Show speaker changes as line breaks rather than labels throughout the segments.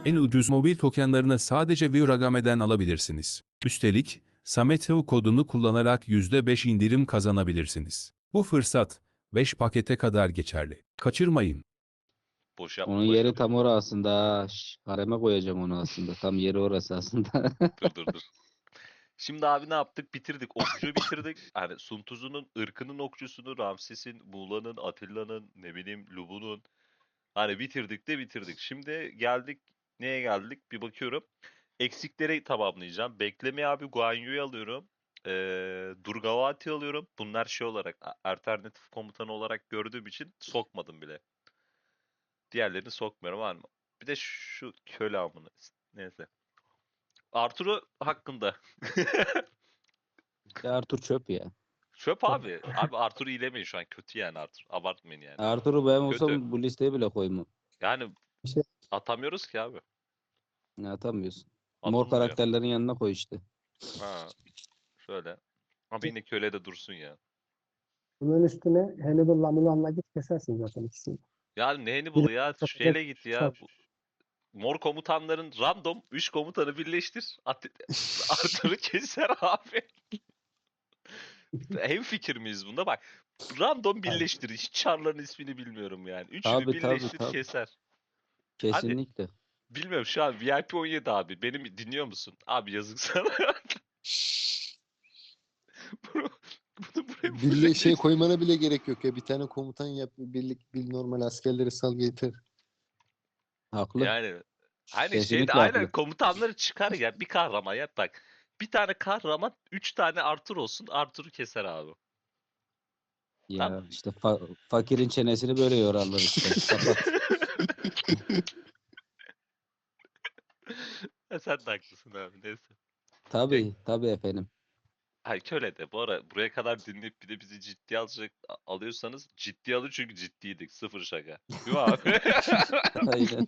En ucuz mobil tokenlarını sadece Viragame'den alabilirsiniz. Üstelik, Sameteo kodunu kullanarak %5 indirim kazanabilirsiniz. Bu fırsat 5 pakete kadar geçerli. Kaçırmayın.
Boş
Onun
yapma
yeri
başarı.
tam orası aslında. Ha. Hareme koyacağım onu aslında. Tam yeri orası aslında.
Dur. Şimdi abi ne yaptık? Bitirdik. Okçuyu bitirdik. Hani Sun Tzu'nun ırkının okçusunu, Ramses'in, Muğla'nın, Atilla'nın, ne bileyim Lubu'nun. Hani bitirdik de bitirdik. Şimdi geldik. Neye geldik? Bir bakıyorum. Eksikleri tamamlayacağım. Beklemeye abi Guan Yu'yu alıyorum. Durgavati alıyorum. Bunlar şey olarak alternatif komutanı olarak gördüğüm için sokmadım bile. Diğerlerini sokmuyorum var mı? Bir de şu köle amını. Neyse. Arturo hakkında.
Ya Arthur çöp ya.
Çöp abi. Abi Arthur'u iyilemeyin şu an. Kötü yani Arthur. Abartmayın yani.
Arthur'u ben
Kötü.
olsam bu listeye bile koymam.
Yani
İşte
atamıyoruz ki abi.
Ya atamıyorsun. Mor
Atılmıyor.
karakterlerin yanına koy işte.
Ha, şöyle. Ama yine köle de dursun ya.
bunun üstüne Hannibal'la Mulan'la git kesersin zaten ikisini.
Yani ne
Bir
Hannibal'ı ya?
de
Şeyle git ya.
çarp.
Mor komutanların random 3 komutanı birleştir. Arthur'u keser abi. Hem fikir miyiz bunda? Bak. Random birleştir. Hiç çarların ismini bilmiyorum yani. Üçünü
Tabii
birleştir
tabii.
keser. Hadi.
Kesinlikle.
Bilmiyorum şu an VIP 17 abi. Benim dinliyor musun? Abi yazık sana. Bunu, bunu buraya
Birliğe şey koymana bile gerek yok ya. Bir tane komutan yap, birlik, bir normal askerleri sal yeter.
Haklı.
Yani hani şeyde
Kesinlikle
aynen
haklı.
komutanları çıkar ya bir kahraman yap bak. Bir tane kahraman 3 tane Arthur olsun. Arthur'u keser abi.
Ya
Tamam.
işte fakirin çenesini böyle yorarlar işte. Kapat.
Sen de haklısın abi neyse.
Tabii tabii efendim.
Hayır köle de bu ara buraya kadar dinleyip bir de bizi ciddiye alıyorsanız ciddiye alın çünkü ciddiydik. Sıfır şaka. Değil mi abi?
Aynen.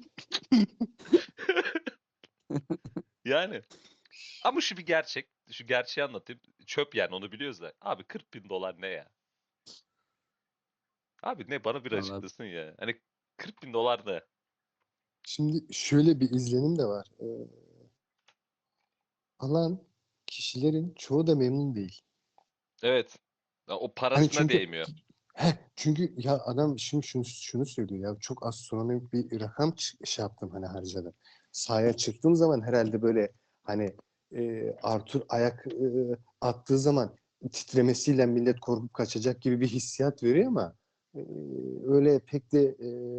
Yani. Ama şu bir gerçek. Şu gerçeği anlatayım. Çöp yani onu biliyoruz da. Abi 40 bin dolar ne ya? Abi ne bana bir
Vallahi
açıklasın ya. Hani 40 bin dolar ne?
Şimdi şöyle bir izlenim de var. Alan kişilerin çoğu da memnun değil.
Evet. Ya o
Hani
parasına
çünkü
değmiyor.
çünkü ya adam şimdi şunu söylüyor ya, çok astronomik bir rakam şey yaptım, hani harcadım. Sahaya çıktığım zaman herhalde böyle hani Arthur ayak attığı zaman titremesiyle millet korkup kaçacak gibi bir hissiyat veriyor ama e, öyle pek de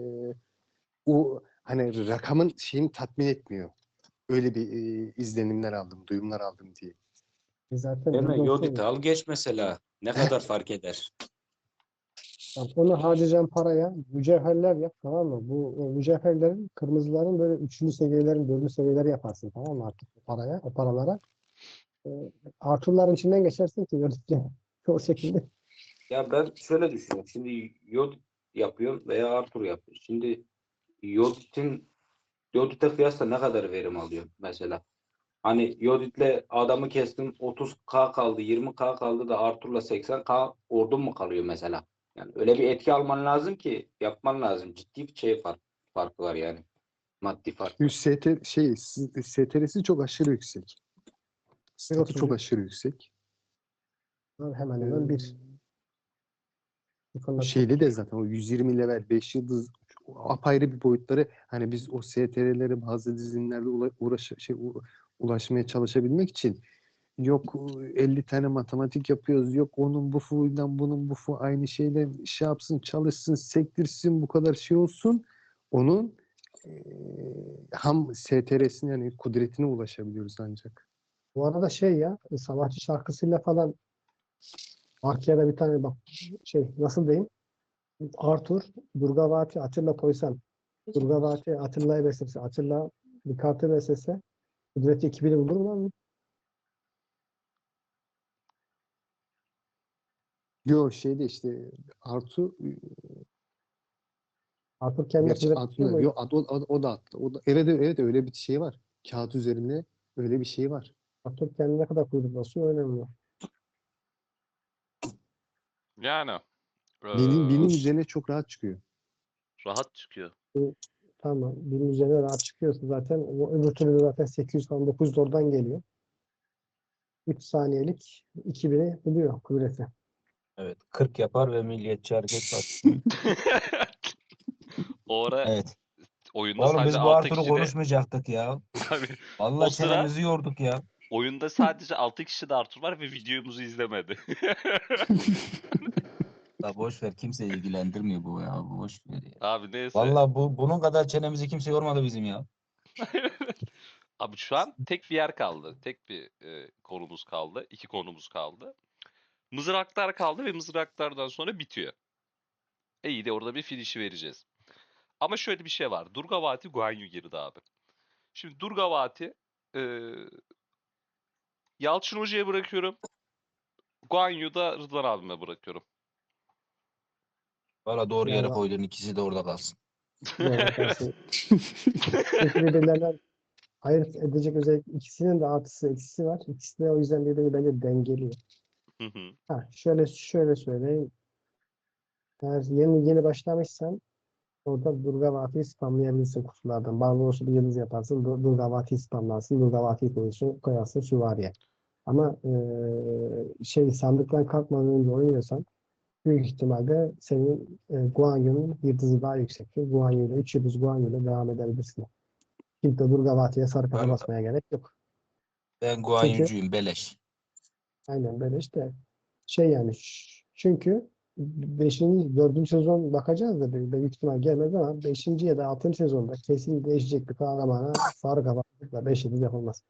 o hani rakamın şeyini tatmin etmiyor. Öyle bir izlenimler aldım, duyumlar aldım diye.
Zaten
Değil mi?
duygum
Yodit
şu.
al geç mesela. Ne kadar fark eder?
Bak, onu harcayacağın paraya mücevherler yap, tamam mı? Bu mücevherlerin, kırmızıların böyle üçüncü seviyelerin, dördüncü seviyeleri yaparsın, tamam mı, artık o paraya, o paralara. E, Arthur'ların içinden geçersin ki gördükçe o şekilde.
Ya ben şöyle düşünüyorum. Şimdi Yodit yapıyorum veya Arthur yapıyor. Şimdi Yodit'e kıyasla ne kadar verim alıyor mesela? Hani Yodit'le adamı kestim 30K kaldı 20K kaldı da Arthur'la 80K ordun mu kalıyor mesela? Yani öyle bir etki alman lazım ki yapman lazım. Ciddi bir farkı var yani. Maddi farkı.
STR'si çok aşırı yüksek. Statü çok
1.30
aşırı yüksek.
hemen hemen bir.
Ee,
Bu konuda çok
Şeyde de zaten o 120 level 5 yıldız apayrı bir boyutları, hani biz o STR'lere bazı dizilimlerde ulaşmaya çalışabilmek için yok 50 tane matematik yapıyoruz, yok onun bu fu'yla bunun bu fu aynı şeyle şey yapsın, çalışsın, sektirsin, bu kadar şey olsun, onun ham STR'sine, yani kudretine ulaşabiliyoruz ancak.
Bu arada şey ya, savaşçı şarkısıyla falan Arkya'da bir tane bak, şey nasıl diyeyim, Arthur, Durgavati, Atilla koysan, Durgavati Atilla'yı beslese, Atilla bir kartı beslese kudreti 2000'i bulur mu?
Yo şeyde işte Artu,
Arthur kendi
gerçi
kudret tutuyor
atmıyor.
mu?
Yo, o da attı. O da, evet öyle bir şey var. Kağıt üzerinde öyle bir şey var.
Arthur kendi ne kadar kudret basıyor önemli.
Yani
Binin
eee,
üzerine çok rahat çıkıyor.
rahat çıkıyor.
Tamam. Bunun üzerine rahat çıkıyorsun zaten. O öbür türlü de zaten 800 falan 900 oradan geliyor. 3 saniyelik 2000'i buluyor kudreti.
Evet. 40 yapar ve Milliyetçi Hareket Partisi.
O ara
Evet.
oyunda
Oğlum
sadece
biz bu
6
Artur'u
kişi de
konuşmayacaktık ya.
abi o
Vallahi
sıra
çenemizi yorduk ya.
oyunda sadece 6 kişi de Artur var ve videomuzu izlemedi.
Ya boş ver, kimse ilgilendirmiyor bu ya. Boş ver ya.
Abi neyse.
Vallahi bunun kadar çenemizi kimse yormadı bizim ya.
Abi şu an tek bir yer kaldı. Tek bir konumuz kaldı. 2 konumuz kaldı. Mızraklar kaldı ve mızraklardan sonra bitiyor. İyi de orada bir finişi vereceğiz. Ama şöyle bir şey var. Durgavati Guan Yu girdi abi. Şimdi Durgavati Yalçın Hoca'ya bırakıyorum. Guan Yu'yu da Rıdvan abime bırakıyorum.
Valla doğru yere
Ya,
koydun, ikisi de orada kalsın.
doğru kalsın. Çünkü birbirlerinden ayırt edecek özellik ikisinin de artısı eksisi var. İkisi de o yüzden birbirini bence dengeliyor.
Hı hı.
Şöyle söyleyeyim. Eğer yeni başlamışsan orada Durgavati'yi spamlayabilirsin kutulardan. Barbaros'u bir yıldız yaparsın. Durgavati'yi spamlarsın. Durgavati'yi koyarsın süvariye. Ama sandıktan kalkmadan önce oynuyorsan büyük ihtimalle senin Guan Yu'nun yıldızı daha yüksektir. Guan Yu'yla 3 yıldız Guan Yu'yla devam edebilirsin. Kimse Durgavati'ye sarı kafa
Ben,
basmaya gerek yok.
ben Guan
Çünkü
Yu'cuyum, beleş.
aynen böyle işte yani çünkü 5. 4. sezon bakacağız da büyük ihtimal gelmez ama 5. ya da 6. sezonda kesin değişecek bir kahramana sarı kafalıkla 5 yıldız yapılmaz.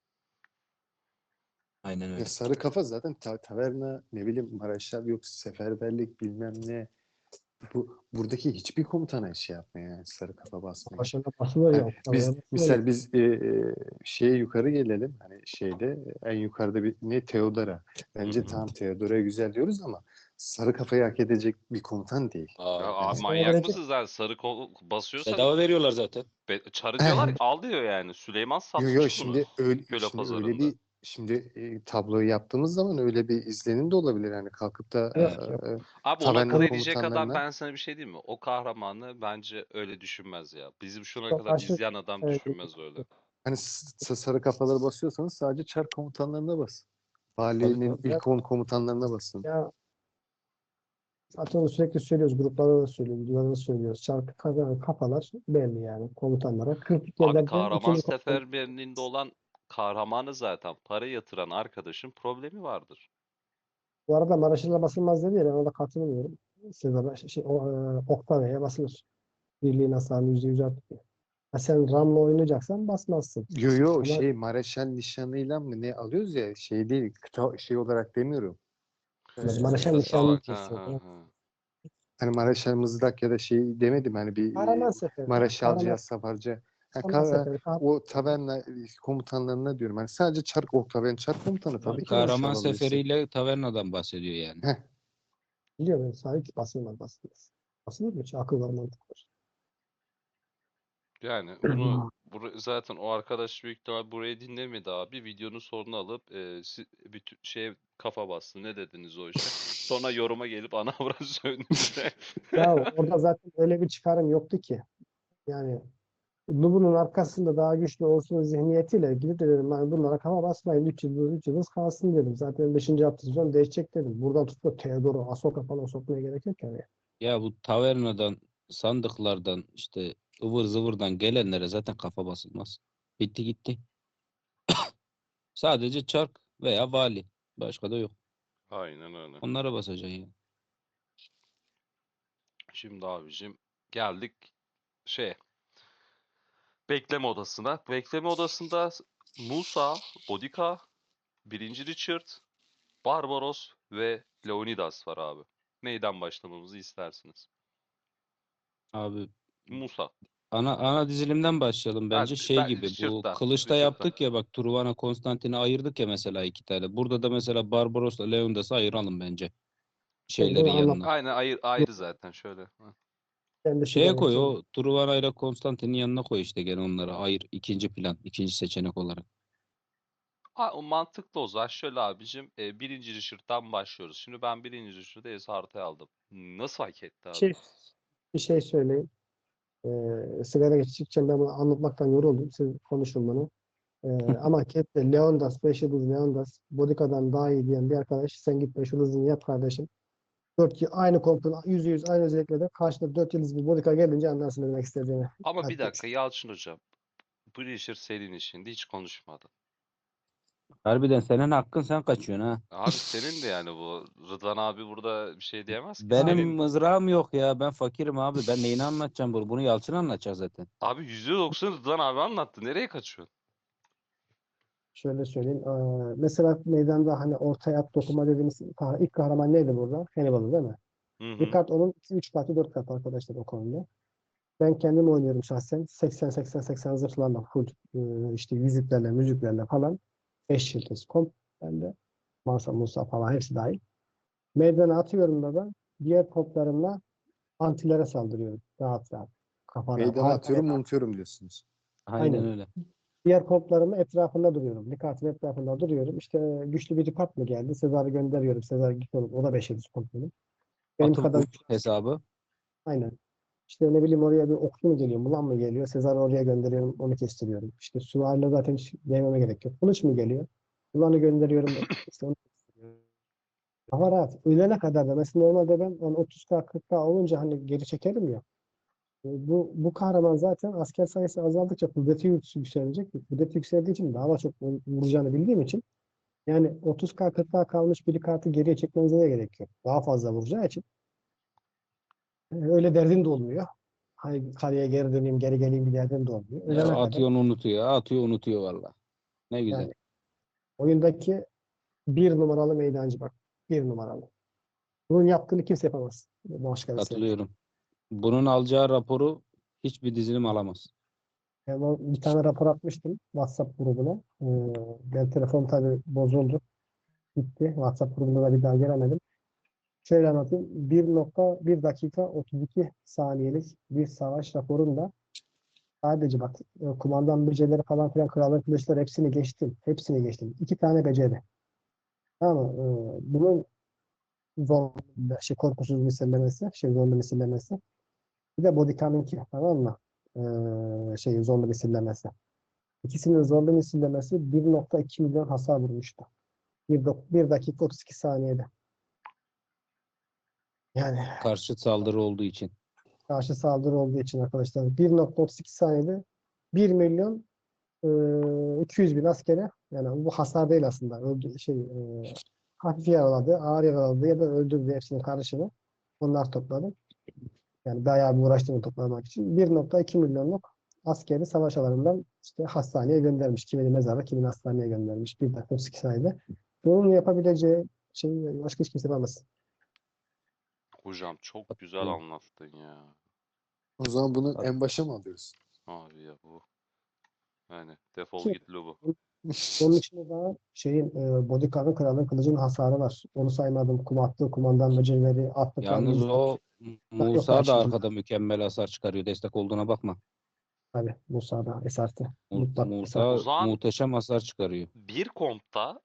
Aynen
Ya
öyle.
sarı kafa zaten taverna, ne bileyim, Maraşlar yok, seferberlik bilmem ne. Buradaki hiçbir komutana şey yapmıyor yani, sarı kafa basmıyor.
Başına basılır
Yani
ya.
biz
Basılır.
misal şeye yukarı gelelim, hani şeyde en yukarıda bir ne, Theodora. Bence
Hı hı.
tamam, Theodora güzel diyoruz ama sarı kafayı hak edecek bir komutan değil.
Ya
Aa,
abi
evet.
manyak mısın sen? Sarı basıyorsan
Bedava veriyorlar zaten.
çarı diyorlar al diyor yani. Süleyman
Yo
satmış bunu
şimdi öyle,
köle
şimdi öyle
pazarında.
bir tabloyu yaptığımız zaman öyle bir izlenim de olabilir, yani kalkıp da
Evet.
Yok.
Abi onu akıl
taverna
edecek adam,
komutanlarına
ben sana bir şey diyeyim mi? O kahramanı bence öyle düşünmez ya. Bizim şuna
Çok
kadar
aşırı
izleyen adam
evet,
düşünmez öyle.
hani sarı kafaları basıyorsanız sadece çar komutanlarına basın.
Tabii
Valinin
tabii.
ilk 10 komutanlarına basın.
ya zaten onu sürekli söylüyoruz. Gruplarda da söylüyoruz. Videolarda da söylüyoruz. Şarkı kafalar belli yani komutanlara. Kritik
Abi
yerlerden
kahraman
ikinci komutan.
seferberliğinde olan kahramanı zaten para yatıran arkadaşın problemi vardır.
Bu arada Maraşlı'da basılmaz dedi ya ben ona katılmıyorum. Sezar'a Octavia'ya basılır. Birliğin hasarını %100 artırıyor. Ha sen Ram'la oynayacaksan basmazsın.
Yo
Ama
Mareşal nişanıyla mı ne alıyoruz ya, şey değil, şey olarak demiyorum.
Maraş'a
Kıtası
nişanlı
olarak.
diyeceksin.
Hani Mareşal mızrak ya da şey demedim, hani bir
Kahraman seferi.
Mareşalcı ya Safarcı.
Kahraman seferi.
O taverna komutanlarına diyorum. Hani sadece çark, o taverna çark komutanı tabii ki Mareşal
Kahraman
alabilirsin.
seferiyle tavernadan bahsediyor yani.
Heh.
Biliyorum. Sahip basılmaz. Basılır mı? Hiç akıl var mantık var.
Yani bunu zaten o arkadaş büyük ihtimal burayı dinlemedi abi. Videonun sonunu alıp bütün şeye kafa bastı. Ne dediniz o işe? Sonra yoruma gelip ana avrat sövdü bize.
Ya orada zaten öyle bir çıkarım yoktu ki. Yani Lubunun arkasında daha güçlü olsun zihniyetiyle gidip de dedim ben bunlara kafa basmayın 3 yıldız kalsın dedim. Zaten 5. hafta sezon değişecek dedim. Buradan tutup da Theodor'u Ahsoka falan sokmaya gerek yok yani.
Ya bu tavernadan, sandıklardan, işte ıvır zıvırdan gelenlere zaten kafa basılmaz. Bitti gitti. Sadece çark veya vali. Başka da yok.
Aynen öyle.
Onlara basacaksın ya.
Şimdi abicim geldik şey bekleme odasına. Bekleme odasında Musa, Bodica, birinci Richard, Barbaros ve Leonidas var abi. Neyden başlamamızı istersiniz?
Abi
Musa.
ana dizilimden başlayalım bence. Şey
Ben
gibi, bu
Richard'dan.
Kılıç'ta yaptık ya, bak Truvana Konstantin'i ayırdık ya mesela, 2 tane. Burada da mesela Barbaros'la Leondas'ı ayıralım bence.
Ben bunu
Şeylerin
anlat.
yanına.
Aynen ayrı zaten şöyle. Hı.
Kendisi de
Şeye koy,
anlatayım.
o Truvana ile Konstantin'in yanına koy işte, gene onları ayır. İkinci plan, ikinci seçenek olarak.
O mantıklı o zaman. Şöyle abicim, birinci Richard'dan başlıyoruz. Şimdi ben birinci Richard'ı Esart'a aldım. Nasıl hak etti
Bir
abi?
şey, bir şey söyleyeyim. Sigara içecekken ben bunu anlatmaktan yoruldum. Siz konuşun bunu. Ama Kep'te Leondas, 5 yıldız Leondas, Bodica'dan daha iyi diyen bir arkadaş, sen git 5 yıldızını yap kardeşim. 4 yıl aynı kompun, %100 aynı özelliklerde karşında 4 yıldız bir Bodica gelince anlarsın ne demek istediğimi.
Ama bir
Hadi.
dakika Yalçın hocam. Breacher senin işinde hiç konuşmadın.
Harbiden senin hakkın, sen kaçıyorsun ha.
Abi senin de yani bu. Rıdvan abi burada bir şey diyemez ki.
Benim
Senin
mızrağım yok ya. Ben fakirim abi. Ben neyini anlatacağım bunu? Bunu Yalçın anlatacak zaten.
abi %90 Rıdvan abi anlattı. Nereye kaçıyorsun?
Şöyle söyleyeyim. Mesela meydanda hani ortaya at dokuma dediğimiz ilk kahraman neydi burada? Hannibal'ı değil mi?
Hı hı.
Bir kart onun 3 katı 4 katı arkadaşlar o konuda. Ben kendim oynuyorum şahsen. 80-80-80 zırhlarla full işte yüzüklerle müziklerle falan 5 yıldız komp bende. Mansa Musa falan hepsi dahil. Meydana atıyorum da ben diğer toplarımla antilere saldırıyorum. Rahat rahat. Kafana.
Meydana atıyorum, unutuyorum diyorsunuz.
Aynen
Aynen.
öyle.
Diğer toplarımın etrafında duruyorum. Likatın etrafında duruyorum. İşte güçlü bir dikkat mı geldi? Sezar'ı gönderiyorum. Sezar git oğlum. O da 5 yıldız komp benim. Benim
Atım
kadar
uç hesabı.
aynen. İşte ne bileyim oraya bir okçu mu geliyor, mulan mı geliyor? Sezar'ı oraya gönderiyorum, onu kestiriyorum. İşte süvariyle zaten hiç değmeme gerek yok. Kılıç mı geliyor? Mulan'ı gönderiyorum, işte onu kestiriyorum. Hava rahat. Ölene kadar da mesela normalde ben hani 30K 40K olunca hani geri çekerim ya. Bu kahraman zaten asker sayısı azaldıkça kudreti yükselecek. Kudreti yükseldiği için daha çok vuracağını bildiğim için yani 30K 40K kalmış bir kartı geriye çekmenize de gerek yok. Daha fazla vuracağı için öyle derdin de olmuyor. Hani kaleye geri döneyim, geri geleyim bir derdin de olmuyor.
Ya
Ölene kadar
atıyor unutuyor. Atıyor unutuyor valla. Ne güzel.
yani oyundaki bir numaralı meydancı bak. Bir numaralı. Bunun yaptığını kimse yapamaz. Başkası yapar.
Katılıyorum. Bunun alacağı raporu hiçbir dizilim alamaz.
Bir tane rapor atmıştım WhatsApp grubuna. Ben telefon tabii bozuldu. Gitti. WhatsApp grubuna da bir daha gelemedim. Şöyle anlatayım. 1,1 dakika 32 saniyelik bir savaş raporunda sadece bak kumandan becerileri falan filan kralın kılıçları hepsini geçtim. Hepsini geçtim. 2 tane beceri. Tamam mı? Bunun zor korkusuz misillemesi, zorlu misillemesi. Bir de Bodycam'inki tamam mı? Zorlu misillemesi. İkisinin zorlu misillemesi 1,2 milyon hasar vurmuştu. 1 dakika 32 saniyede. Yani
Karşı saldırı olduğu için.
karşı saldırı olduğu için arkadaşlar 1,32 saniyede 1 milyon 200 bin askere yani bu hasar değil aslında. Hafif yaraladı, ağır yaraladı ya da öldürdü hepsinin karışımı. Onlar topladı. Yani bayağı bir uğraştığını toplamak için 1,2 milyonluk askeri savaş alanından işte hastaneye göndermiş. Kimini mezara, kimini hastaneye göndermiş. 1 dakika 32 saniyede. Bunun yapabileceği şey başka hiç kimse yapamaz.
Hocam çok güzel
Katılıyorum.
anlattın ya.
O zaman bunu en başa mı alıyoruz?
Abi ya bu. Yani defol
Ki
git Lubu.
onun içinde daha Bodyguard'ın kralın kılıcının hasarı var. Onu saymadım. Attığı kumandan becerileri, attıkları
Yalnız o
yok
Musa da
karşılığında.
arkada mükemmel hasar çıkarıyor. Destek olduğuna bakma.
Tabii Musa'da esastı. Mutlak esas.
O
Musa
zaman
muhteşem hasar çıkarıyor.
bir kompta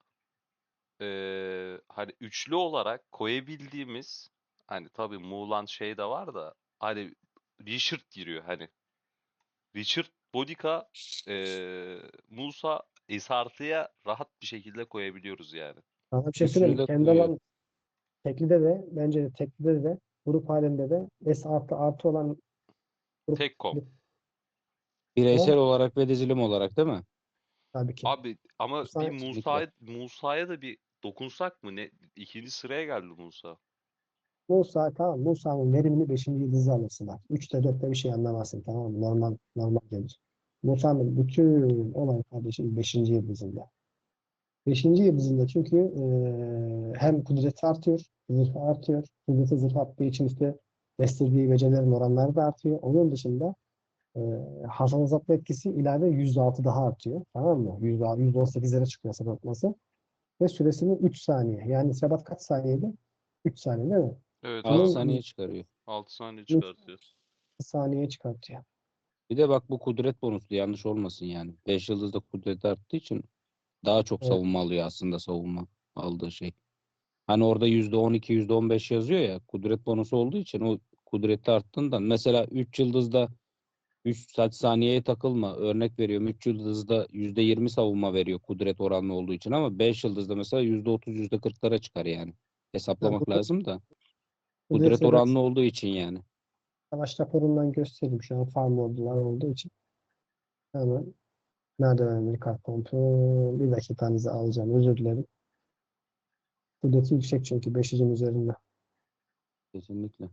hani üçlü olarak koyabildiğimiz hani tabii Muğlan şey de var da hani Richard giriyor hani. Richard, Bodica, Musa, Esartı'ya rahat bir şekilde koyabiliyoruz yani.
Sana bir şey
Üçünü
söyleyeyim.
de
Kendi
koyuyor.
alan teklide de bence de teklide de grup halinde de S artı olan grup
Tek komp.
Bireysel
o
olarak ve dizilim olarak değil mi?
tabii ki.
Abi ama bir
Kesinlikle.
Musa'ya da bir dokunsak mı? Ne? İkinci sıraya geldi Musa.
Musa tamam. Musa'nın verimini 5. yıldızı alırsınlar. 3'te 4'te bir şey anlamazsın tamam mı? Normal gelir. Musa'nın bütün olay kardeşim 5. yıldızında. 5. yıldızında çünkü hem kudreti artıyor, zırhı artıyor. Kudreti zırh arttığı için işte bestirdiği becerilerin oranları da artıyor. Onun dışında e, hasar azaltma etkisi ilave %6 daha artıyor. Tamam mı? %18'lere çıkıyor hasar azaltması. Ve süresini 3 saniye. Yani Sebat kaç saniyede? 3 saniye değil mi?
Evet
6
abi.
Bunun
saniye çıkarıyor.
6 saniye
3
çıkartıyor.
saniyeye çıkartıyor.
Bir de bak bu kudret bonuslu, yanlış olmasın yani. 5 yıldızda kudret arttığı için daha çok
Evet.
savunma alıyor aslında, savunma aldığı şey. Hani orada %12, %15 yazıyor ya, kudret bonusu olduğu için o kudreti arttığından mesela 3 yıldızda 3 saat saniyeye takılma. Örnek veriyorum 3 yıldızda %20 savunma veriyor kudret oranlı olduğu için ama 5 yıldızda mesela %30 %40'lara çıkar yani.
Ya
Hesaplamak
bunu
lazım da.
Kudret
Kudret
ve
oranlı olduğu için yani.
savaş raporundan göstereyim. Şu an farm modlar olduğu için. Hemen merdivenleri kart kontrol. Bir dakikanızı alacağım. Özür dilerim. Kudreti yüksek çünkü 500'ün üzerinde.
Kesinlikle.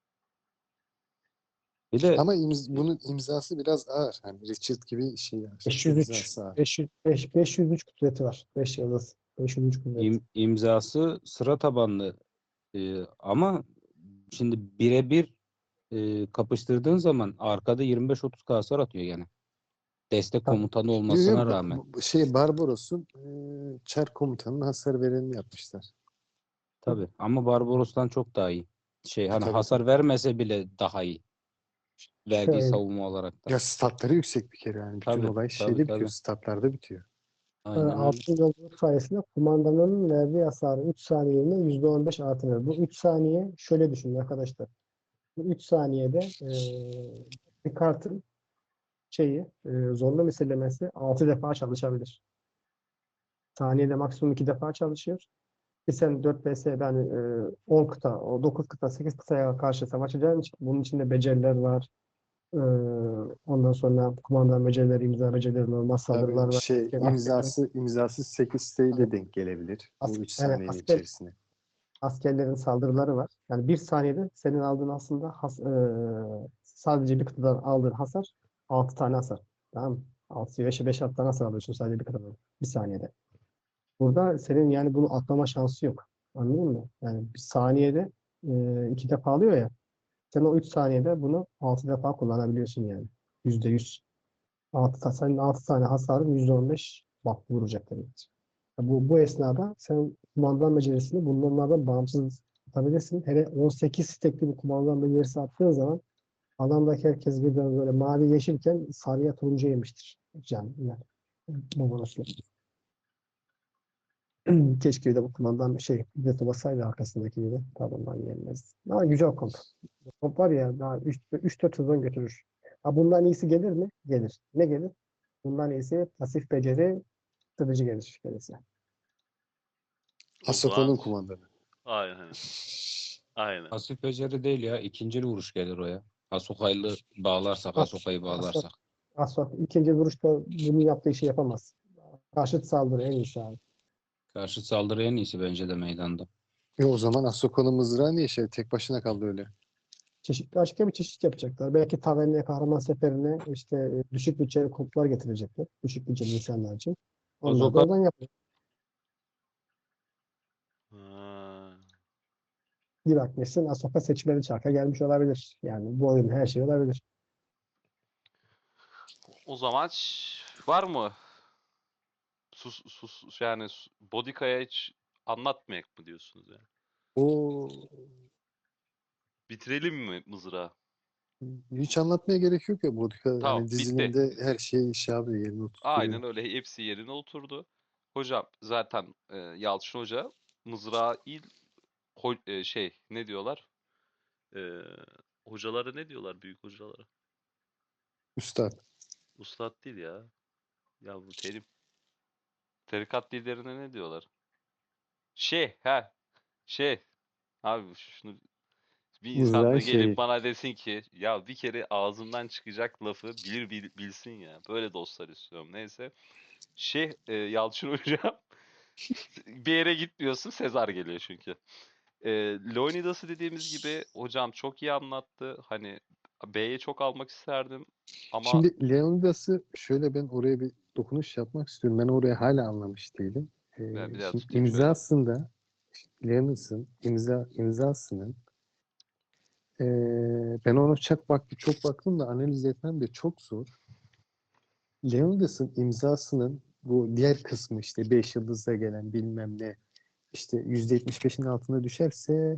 Bir de
Ama bunun imzası biraz ağır. Hani Richard gibi şey yani.
503
İmzası ağır.
503 kudreti var. 5 yıldız. 503 kudret.
imzası sıra tabanlı. Ama şimdi birebir kapıştırdığın zaman arkada 25-30 hasar atıyor yani. Destek
Tabii.
komutanı olmasına rağmen.
Şey Barbaros'un Çar komutanının hasar verenini yapmışlar.
Tabii. Ama Barbaros'tan çok daha iyi. Hani
Tabii,
hasar
tabii.
vermese bile daha iyi. Verdiği
Şöyle.
savunma olarak da.
Ya statları yüksek bir kere yani. Bütün
Tabii,
olay
tabii,
şeyde bitiyor.
tabii.
Statlarda bitiyor.
Aynen öyle.
Altın yolculuk sayesinde kumandanın verdiği hasarı 3 saniyeliğine %15 artırır. Bu 3 saniye şöyle düşünün arkadaşlar. Bu 3 saniyede bir kartın zorlu misillemesi 6 defa çalışabilir. Saniyede maksimum 2 defa çalışıyor. Sen 4 VS'de hani 10 kıta, o 9 kıta, 8 kıtaya karşı savaşacağın için bunun içinde beceriler var. E, Ondan sonra kumandan becerileri, imza becerileri, normal saldırılar
Tabii
var.
şey imzası 8 sayıyla denk gelebilir. Bu 3
Yani
saniyenin içerisine.
askerlerin saldırıları var. Yani bir saniyede senin aldığın aslında sadece bir kıtadan aldığın hasar 6 tane hasar. Tamam mı? 6, 5 6 tane hasar alıyorsun sadece bir kıtadan. Bir saniyede. Burada senin yani bunu atlama şansı yok. Anladın mı? Yani bir saniyede 2 defa alıyor ya. Sen o 3 saniyede bunu 6 defa kullanabiliyorsun yani. %100. Senin 6 tane hasarın %15 bak vuracak demek. Bu esnada sen kumandan becerisini bunlardan bağımsız atabilirsin. Hele 18 stekli bir kumandan becerisi attığın zaman adamdaki herkes birden böyle mavi yeşilken sarıya turuncu yemiştir. Yani bu bonuslu. Keşke bir de bu kumandan bir de basaydı arkasındaki gibi. Tabandan gelmez. Ama güzel komp. Komp var ya daha 3-4 sezon götürür. Ha, bundan iyisi gelir mi? Gelir. Ne gelir? Bundan iyisi pasif beceri strateji gelir. Gelirse.
O zaman
Asoko'nun kumandanı.
aynen. Aynen.
Pasif beceri değil ya. İkincil vuruş gelir o ya. Asoka'yla bağlarsak, Asoka'yı
Asok,
bağlarsak.
Asok ikinci vuruşta bunu yaptığı işi yapamaz. Karşıt saldırı en iyisi abi.
Karşı saldırı en iyisi bence de meydanda.
O zaman Asoko'nun mızrağı niye tek başına kaldı öyle?
Başka bir çeşit yapacaklar. Belki Taverna'ya kahraman seferine düşük bütçeli komplar getirecekler. Düşük bütçeli insanlar için. Onlar da
Asoka
oradan yapıyor.
Ha.
Bir bakmışsın Ahsoka seçmeli çarka gelmiş olabilir. Yani bu oyun her şey olabilir.
O zaman var mı? Yani Bodika'ya hiç anlatmayak mı diyorsunuz yani?
O
Bitirelim mi mızrağı?
hiç anlatmaya gerek yok ya Bodika.
Tamam,
Hani
bitti.
dizilimde her şey şey yapıyor, yerine oturtuyor.
Aynen öyle. Hepsi yerine oturdu. Hocam zaten Yalçın Hoca mızrağı ne diyorlar? E, Hocalara ne diyorlar büyük hocalara?
Üstad.
Ustad değil ya. Ya bu terim. Tarikat liderine ne diyorlar? Şey, he. Şey. Abi şunu bir insan
Mızrağın
da gelip
şeyi.
bana desin ki ya bir kere ağzımdan çıkacak lafı bilsin ya. Böyle dostlar istiyorum. Neyse. Yalçın Hocam bir yere gitmiyorsun Sezar geliyor çünkü. Leonidas'ı dediğimiz gibi hocam çok iyi anlattı. Hani B'ye çok almak isterdim ama
Şimdi Leonidas'ı şöyle ben oraya bir dokunuş yapmak istiyorum. Ben oraya hala anlamış değilim.
ben bir daha
Şimdi
tutayım şöyle.
imzasında Leonidas'ın imzasının ben ona çok baktım da analiz etmem de çok zor. Leonidas'ın imzasının bu diğer kısmı işte 5 yıldızda gelen bilmem ne işte %75'in altına düşerse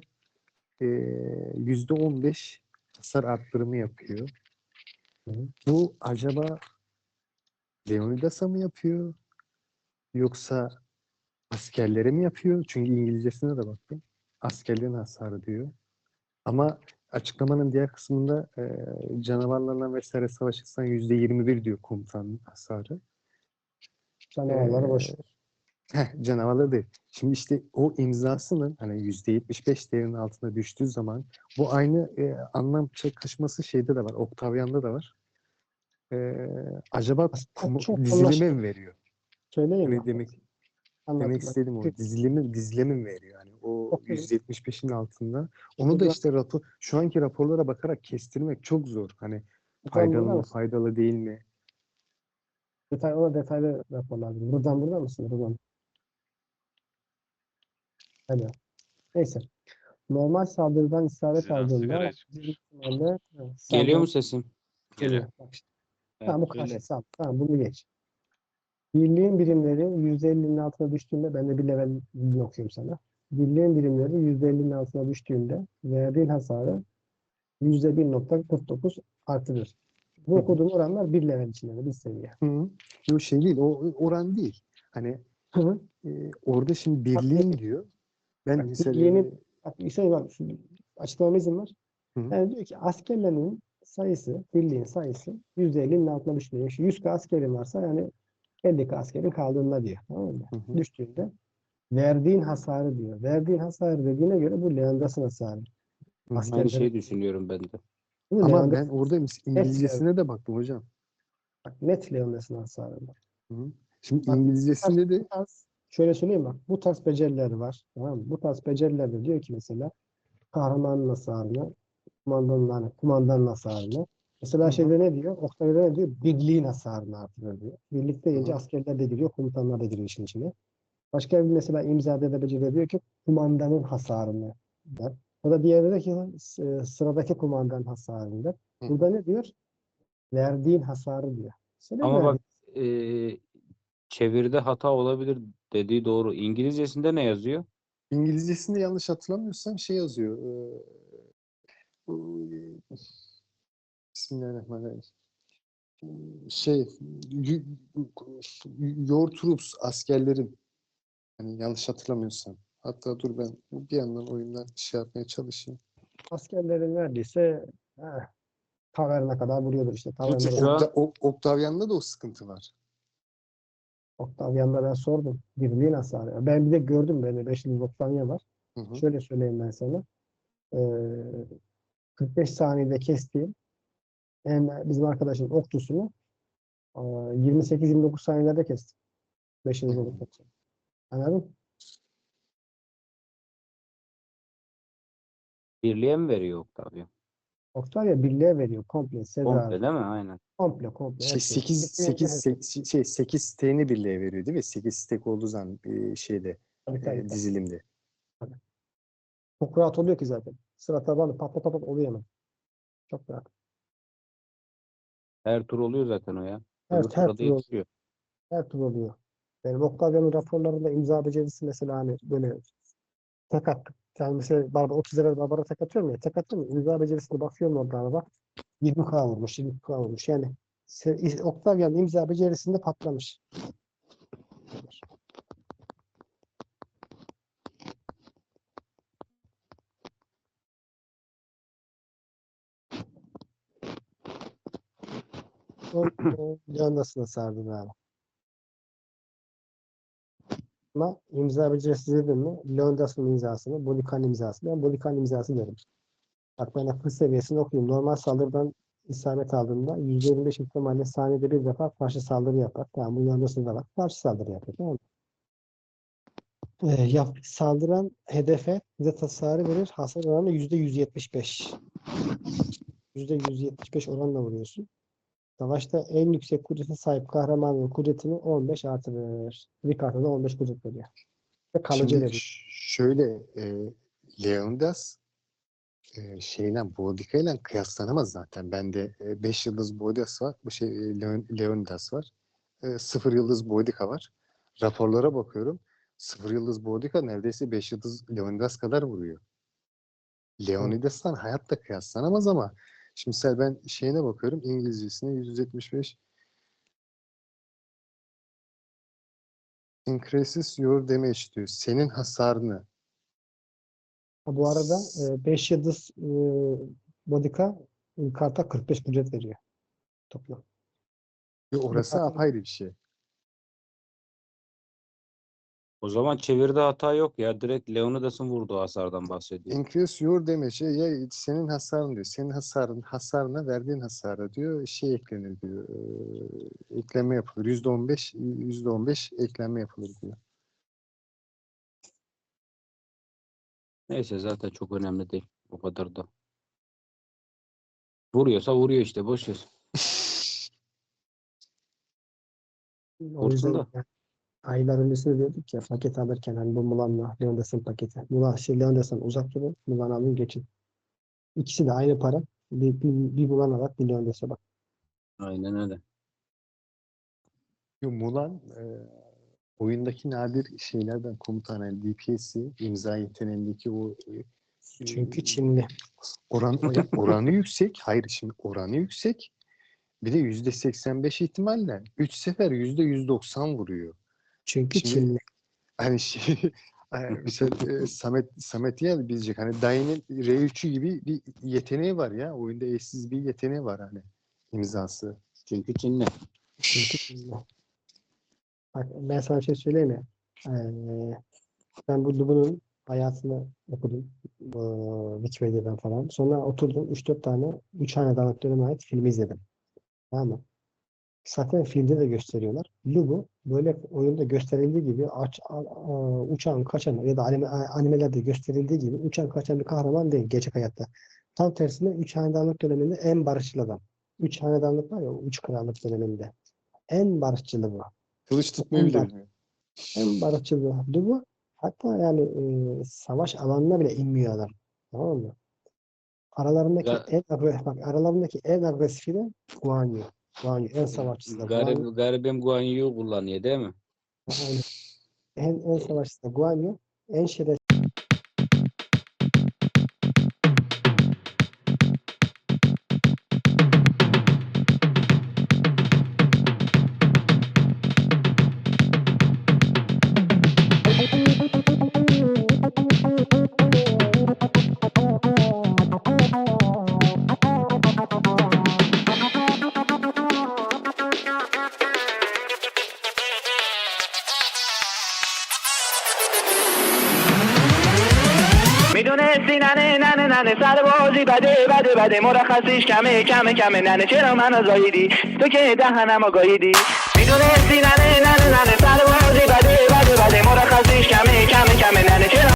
%15 hasar arttırımı yapıyor. Bu acaba Leonidas'a mı yapıyor yoksa askerlere mi yapıyor? Çünkü İngilizcesine de baktım. Askerlerin hasarı diyor. Ama açıklamanın diğer kısmında canavarlarla vesaire savaşırsan %21 diyor komutanın hasarı.
Canavarları boş ver.
Canavarları değil. Şimdi işte o imzasının hani %75 değerinin altına düştüğü zaman bu aynı anlam kaçması şeyde de var. Octavian'da da var. Acaba
Aslında çok
dizilime
anlaşılır.
mi veriyor?
Söyleyeyim
Hani
mi?
demek
Anladım.
istediğim o dizilime mi veriyor? Yani o
Çok
%75'in altında. Onu da
Burada-
işte şu anki raporlara bakarak kestirmek çok zor. Hani
Buradan
faydalı
burada
mı,
mısın?
faydalı değil mi?
Ona detaylı rapor lazım. Burada mısın? Buradan. Hadi. Neyse. Normal saldırıdan isabet
Diziden sigara
aldığında
çıkmış.
büyük ihtimalle
Geliyor mu
saldırı
sesim?
Geliyor.
geliyor. Bak işte.
Evet,
Tamam bu
söyle.
karşı saldırı. Tamam bunu geç. Birliğin birimleri %50'nin altına düştüğünde ben de bir level okuyorum sana. Birliğin birimleri %50'nin altına düştüğünde verdiğin hasarı %1,49 artırır. Bu
Hı hı.
okuduğum oranlar bir level içinde bir seviye.
Hı. Yok şey değil, o oran değil. Hani
Hı hı.
orada şimdi birliğin diyor. Ben
Bak,
mesela
bak bir şey var. Açıklamama izin var.
Hı.
Yani diyor ki askerlerin sayısı, birliğin sayısı %50'nin altına düşmüyor. Şu 100 askerin varsa yani 50 askerin kaldığında diyor. Tamam mı?
Hı hı.
Düştüğünde verdiğin hasarı diyor. Verdiğin hasarı dediğine göre bu Leandas'ın hasarı.
Hı hı.
Aynı
Askerlerin.
şeyi düşünüyorum ben de.
Bu
Ama
Leandas'ın
ben orada İngilizcesine de baktım hocam.
bak, net Leandas'ın hasarı.
Hı hı. Şimdi
Bak,
İngilizcesinde de
bu tarz, şöyle söyleyeyim bak. Bu tarz beceriler var. Tamam mı? Bu tarz becerilerde diyor ki mesela kahramanın hasarını, kumandanın hasarını. Mesela
Hı hı.
şeyde ne diyor? Oktay'da ne diyor? Birliğin hasarını artırıyor diyor. Birlik
Hı
deyince
hı.
askerler de giriyor, komutanlar da giriyor işin içine. Başka bir mesela imzada da beceri diyor ki kumandanın hasarını der. O da diğeri de ki sıradaki kumandanın hasarını der.
Hı
Burada
hı.
ne diyor? Verdiğin hasarı diyor. Senin
Ama
verdiğin.
bak çeviride hata olabilir dediği doğru. İngilizcesinde ne yazıyor?
İngilizcesinde yanlış hatırlamıyorsam şey yazıyor. Bu, Bismillahirrahmanirrahim. Şey your troops askerlerin, hani yanlış hatırlamıyorsam. Hatta dur ben bir yandan oyundan şey yapmaya çalışayım.
Askerlerin verdiyse taverna kadar vuruyordur işte.
Çünkü
Şu an
Octavian'da da o sıkıntı var.
Octavian'da ben sordum. Birliğin hasarı. Ben bir de gördüm böyle 5 yıl Octavian var.
Hı hı.
Şöyle söyleyeyim ben sana. 45 saniyede kestiğim bizim arkadaşın okçusunu 28-29 saniyede kestim. 5
Hı
yıl
hı.
olduktan sonra. Anladın mı?
birliğe mi veriyor Octavio?
Octavia birliğe veriyor. Komple. Sezar.
Komple değil mi? Aynen.
Komple.
Şey
Hepsi.
8 siteğini birliğe veriyor değil mi? 8 stek olduğu zaman şeyde
Tabii.
dizilimde.
Tabii. Çok rahat oluyor ki zaten. Sıra tabanı pat pat pat oluyor hemen. Çok rahat.
Her tur oluyor zaten o ya.
Her,
Öbür
her
tura da
tur oluyor.
yetişiyor.
Her tur oluyor. Benim Octavia'nın raporlarında imza becerisi mesela hani böyle tek attık. Yani mesela 30 lira Barbara tek atıyorum ya. Tek atıyorum ya. İmza becerisine bakıyorum orada araba. 20K vurmuş. 20K vurmuş. Yani Octavia'nın imza becerisinde patlamış. O Leandas'ına sardım abi. Ama imza becerisi dedim mi? Leandas'ın imzasını, Bolikan imzasını. Ben Bolikan imzası derim. Bak ben akıl seviyesini okuyayım. Normal saldırıdan isabet aldığında %25 ihtimalle saniyede bir defa karşı saldırı yapar. Tamam bu Leandas'ın da var. Karşı saldırı yapıyor. Tamam mı? Saldıran hedefe zet hasarı verir. Hasar oranı %175. %175 oranla vuruyorsun. Savaşta en yüksek kudrete sahip kahramanın kudretini 15 artırır. Bir kartına 15 kudret veriyor. Ve kalıcı
Şimdi
veriyor.
şöyle Leonidas şeyle Boudica ile kıyaslanamaz zaten. Bende 5 yıldız Boudica var. Bu şey Leonidas var. 0 yıldız Boudica var. Raporlara bakıyorum. 0 yıldız Boudica neredeyse 5 yıldız Leonidas kadar vuruyor. Leonidas'tan hayatta kıyaslanamaz ama şimdi mesela ben şeyine bakıyorum İngilizcesine 175 increases your damage diyor. Senin hasarını
Bu arada 5 yıldız Bodica karta 45 ücret veriyor toplam.
Orası
zaten-
apayrı bir şey.
O zaman çeviride hata yok ya. Direkt Leonidas'ın vurduğu hasardan bahsediyor.
Increase your damage. Ya senin hasarın diyor. Senin hasarına verdiğin hasara diyor şey eklenir diyor. Ekleme yapılır. %15 ekleme yapılır diyor.
Neyse zaten çok önemli değil. O kadar da. Vuruyorsa vuruyor işte. Boş ver.
O yüzden
Vursun da.
yani aylar öncesinde diyorduk ya paket alırken hani bu Mulan'la Leondas'ın paketi. Leondas'tan uzak durun. Mulan alın geçin. İkisi de aynı para. Bir Mulan alak bir Leondas'a bak.
Aynen öyle.
Mulan oyundaki nadir şeylerden komutan yani DPS'i imza yeteneğindeki o
Çünkü Çinli.
oranı yüksek. Hayır şimdi oranı yüksek. Bir de %85 ihtimalle 3 sefer %190 vuruyor.
Çünkü
Şimdi-
Çinli.
Hani şey mesela Samet ya bilecek hani Dayı'nın R3'ü gibi bir yeteneği var ya. Oyunda eşsiz bir yeteneği var hani imzası.
Çünkü Çinli.
Çünkü Çinli. Bak, ben sana bir şey söyleyeyim mi? Ben bu Lubu'nun hayatını okudum. Wikipedia'dan falan. Sonra oturdum 3-4 tane 3 hanedanlık döneme ait filmi izledim. Tamam mı? Zaten filmde de gösteriyorlar. Lubu böyle oyunda gösterildiği gibi uçan kaçan ya da animelerde gösterildiği gibi uçan kaçan bir kahraman değil gerçek hayatta. Tam tersine 3 hanedanlık döneminde en barışçıl adam. 3 hanedanlık var ya 3 krallık döneminde. En barışçılı bu.
Kılıç tutmayı bile bilmiyor.
En barışçıl bu. Hatta yani savaş alanına bile inmiyor adam. Tamam mı? Aralarındaki
Ya-
aralarındaki en agresifi de Guan Yu. Guan Yu en savaşçısı da Guan Yu.
Garibim Guan Yu kullanıyor değil mi?
Aynen. En savaşçısı da Guan Yu. En şerefsiz
میدونستی ننه سربازی بده مرخصیش کمه ننه چرا منو زاییدی تو که دهنمو گاییدی میدونستی ننه سربازی بده مرخصیش